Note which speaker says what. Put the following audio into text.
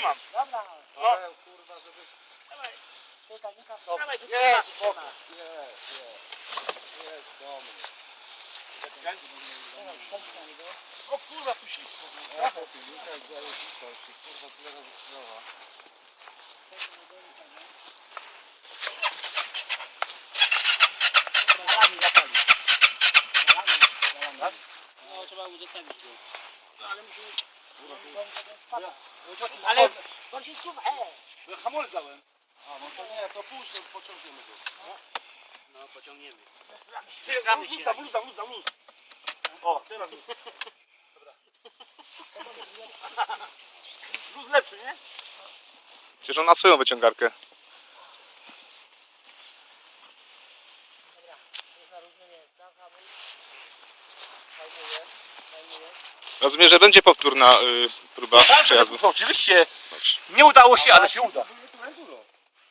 Speaker 1: trzymam.
Speaker 2: Dobra.
Speaker 3: Ale kurwa, żebyś...
Speaker 1: Dawaj.
Speaker 2: Tutaj, nie
Speaker 3: No,
Speaker 2: dawaj, tu
Speaker 3: jest,
Speaker 2: trzyma.
Speaker 3: jest do mnie.
Speaker 1: O kurwa, tu ślisko.
Speaker 3: Ja po pilnika jest zajebista, już tych kurwa tyle razy krzyżowa.
Speaker 2: No, trzeba udostępnić go.
Speaker 1: No, ale musimy...
Speaker 2: Ale on się suwa,
Speaker 1: Hamulec dałem.
Speaker 3: A no to nie, to puść, to pociągniemy go.
Speaker 2: No, pociągniemy.
Speaker 1: Luz. O, teraz luz. Dobra. Luz lepszy, nie?
Speaker 4: Przecież on ma swoją wyciągarkę.
Speaker 2: Dobra, jest na różne miejsca, hamulec. Zajmuję.
Speaker 4: Rozumiem, że będzie powtórna próba przejazdu.
Speaker 1: Oczywiście. Nie udało się, ale się uda.